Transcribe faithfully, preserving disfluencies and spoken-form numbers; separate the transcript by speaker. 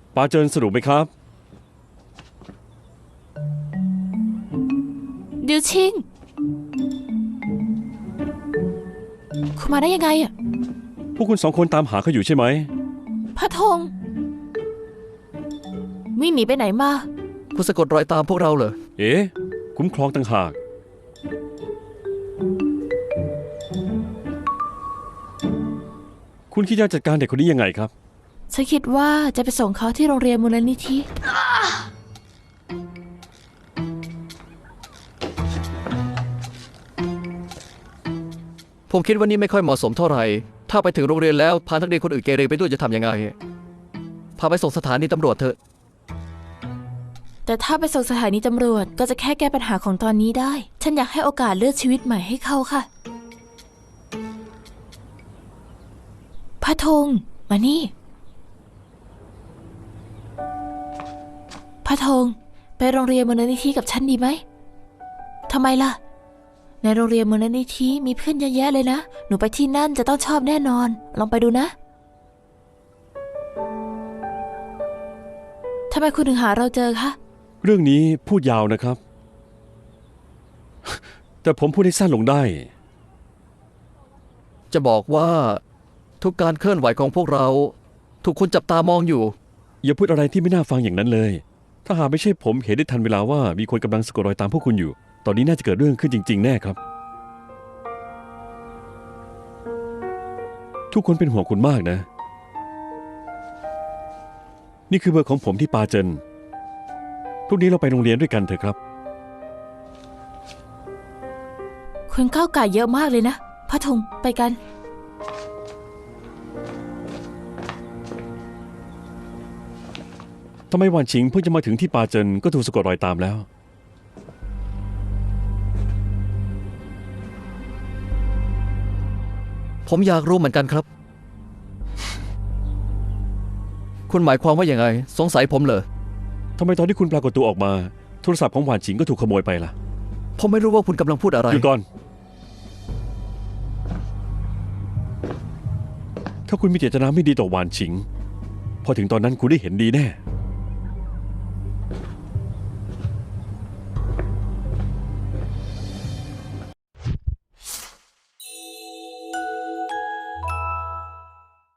Speaker 1: ปาเจินสรุปไหมครับ
Speaker 2: ดิวชิงคุณมาได้ยังไงอ่ะ
Speaker 1: พวกคุณสองคนตามหาเขาอยู่ใช่ไหม
Speaker 2: พระธงวิ่งหนีไปไหนมา
Speaker 3: คุณสะกดรอยตามพวกเราเหรอ
Speaker 1: เอ๊ะคุ้มครองต่างหากคุณคิดจะจัดการเด็กคนนี้ยังไงครับ
Speaker 2: ฉันคิดว่าจะไปส่งเขาที่โรงเรียนมูลนิธิ
Speaker 3: ผมคิดว่านี่ไม่ค่อยเหมาะสมเท่าไหร่ถ้าไปถึงโรงเรียนแล้วพานักเรียนคนอื่นเกเรไปด้วยจะทำยังไงพาไปส่งสถานีตำรวจเถอะ
Speaker 2: แต่ถ้าไปส่งสถานีตำรวจก็จะแค่แก้ปัญหาของตอนนี้ได้ฉันอยากให้โอกาสเลือกชีวิตใหม่ให้เขาค่ะพระธงมานี่พระธงไปโรงเรียนมูลนิธิกับฉันดีไหมทำไมล่ะในโรงเรียนมูลนิธิมีเพื่อนเยอะแยะเลยนะหนูไปที่นั่นจะต้องชอบแน่นอนลองไปดูนะทำไมคุณถึงหาเราเจอคะ
Speaker 1: เรื่องนี้พูดยาวนะครับ แต่ผมพูดให้สั้นลงได้
Speaker 3: จะบอกว่าทุกการเคลื่อนไหวของพวกเราถูกคนจับตามองอยู่
Speaker 1: อย่าพูดอะไรที่ไม่น่าฟังอย่างนั้นเลยถ้าหากไม่ใช่ผมเห็นได้ทันเวลาว่ามีคนกำลังสะกดรอยตามพวกคุณอยู่ตอนนี้น่าจะเกิดเรื่องขึ้นจริงๆแน่ครับทุกคนเป็นห่วงคุณมากนะนี่คือเบอร์ของผมที่ปาเจินพรุ่งนี้เราไปโรงเรียนด้วยกันเถอะครับ
Speaker 2: คุณก้าวไก่เยอะมากเลยนะพระธงไปกัน
Speaker 1: ทำไมหวานชิงเพิ่งจะมาถึงที่ปาเจินก็ถูกสะกดรอยตามแล้ว
Speaker 3: ผมอยากรู้เหมือนกันครับคุณหมายความว่าอย่างไงสงสัยผมเหรอ
Speaker 1: ทำไมตอนที่คุณปรากฏตัวออกมาโทรศัพท์ของหวานชิงก็ถูกขโมยไปล่ะ
Speaker 3: ผมไม่รู้ว่าคุณกำลังพูดอะไร
Speaker 1: หยุดก่อนถ้าคุณมีเจตนาไม่ดีต่อหวานชิงพอถึงตอนนั้นคุณได้เห็นดีแน่